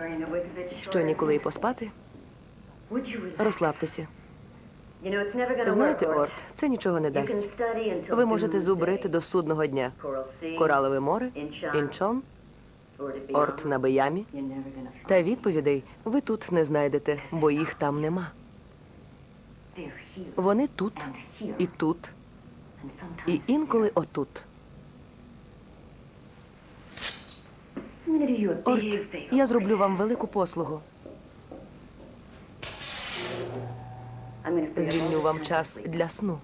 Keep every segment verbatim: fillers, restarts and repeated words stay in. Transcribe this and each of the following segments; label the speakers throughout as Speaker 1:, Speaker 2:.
Speaker 1: Що ніколи й поспати? Розслабтеся. Знаєте, Орт, це нічого не дасть. Ви можете зубрити до судного дня. Коралове море, Інчон, Орт на Биямі. Та відповідей ви тут не знайдете, бо їх там нема. Вони тут, і тут, і інколи отут. Орт, я зроблю вам велику послугу. Звільню вам час для сну.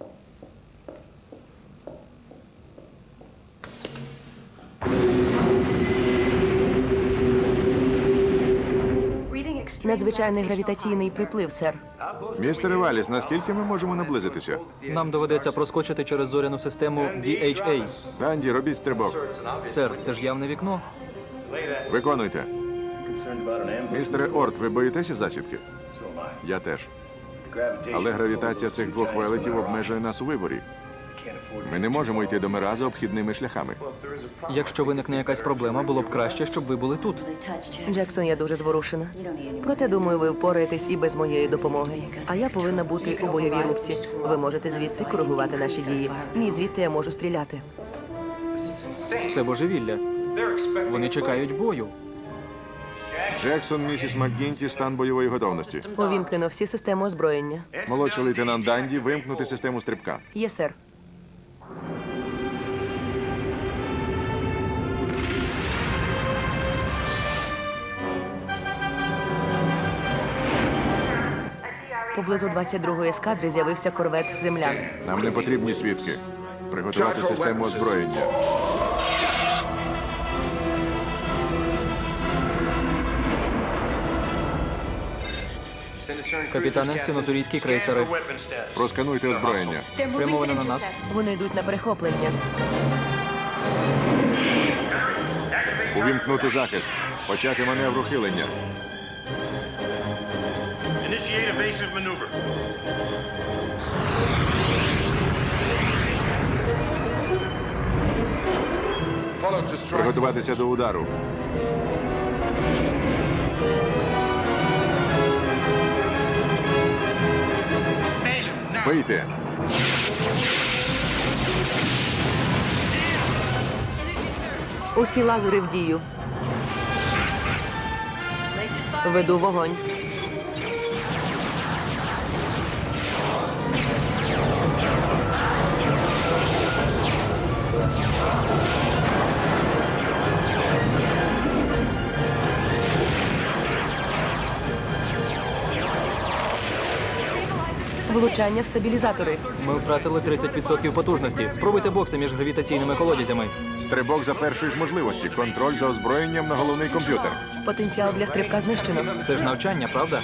Speaker 1: Надзвичайний гравітаційний приплив, сер.
Speaker 2: Містере Валіс, наскільки ми можемо наблизитися?
Speaker 3: Нам доведеться проскочити через зоряну систему Ді Ейч Ей.
Speaker 2: Данді, робіть стрибок.
Speaker 3: Сер, це ж явне вікно.
Speaker 2: Виконуйте. Містере Орт, ви боїтеся засідки? Я теж. Але гравітація цих двох велетів обмежує нас у виборі. Ми не можемо йти до Мираза обхідними шляхами.
Speaker 3: Якщо виникне якась проблема, було б краще, щоб ви були тут.
Speaker 1: Джексон, я дуже зворушена. Проте, думаю, ви впораєтесь і без моєї допомоги. А я повинна бути у бойовій рубці. Ви можете звідти коригувати наші дії. Ні, звідти я можу стріляти.
Speaker 3: Це божевілля. Вони чекають бою.
Speaker 2: Джексон, місіс МакГінті, стан бойової готовності.
Speaker 1: Увімкнено всі системи озброєння.
Speaker 2: Молодший лейтенант Данді, вимкнути систему стрибка.
Speaker 1: Є, сер. Поблизу двадцять другої ескадри з'явився корвет «Землян».
Speaker 2: Нам не потрібні свідки. Приготувати систему озброєння.
Speaker 3: Капітане, синозурійські крейсери.
Speaker 2: Проскануйте озброєння.
Speaker 3: Спрямовано на нас.
Speaker 1: Вони йдуть на перехоплення.
Speaker 2: Увімкнути захист. Почати маневр ухилення.
Speaker 4: Initiate evasive maneuver.
Speaker 2: Приготуватися до удару. Бийте.
Speaker 1: Усі лазери в дію. Веду вогонь. Влучання в стабілізатори.
Speaker 3: Ми втратили тридцять відсотків потужності. Спробуйте бокси між гравітаційними колодязями.
Speaker 2: Стрибок за першої ж можливості. Контроль за озброєнням на головний комп'ютер.
Speaker 1: Потенціал для стрибка знищено.
Speaker 3: Це ж навчання, правда?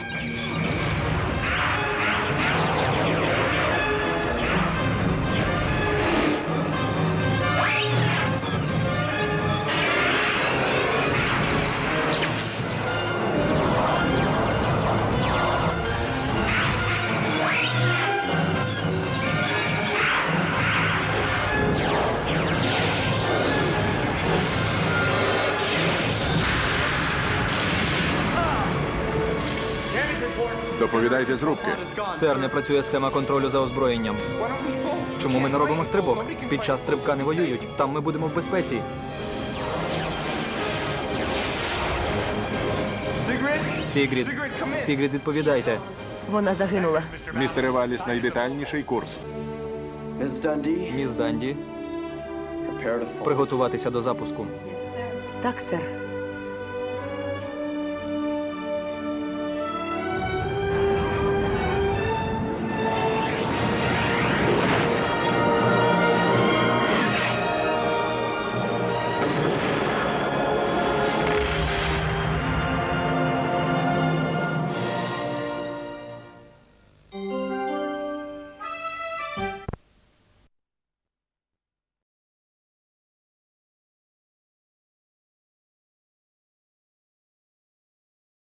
Speaker 2: Доповідайте з рубки.
Speaker 3: Сер, не працює схема контролю за озброєнням. Чому ми не робимо стрибок? Під час стрибка не воюють. Там ми будемо в безпеці. Сігрід, Сігрід, відповідайте.
Speaker 1: Вона загинула.
Speaker 2: Містере Валіс, найдетальніший курс.
Speaker 3: Міс Данді, приготуватися до запуску.
Speaker 1: Так, сер.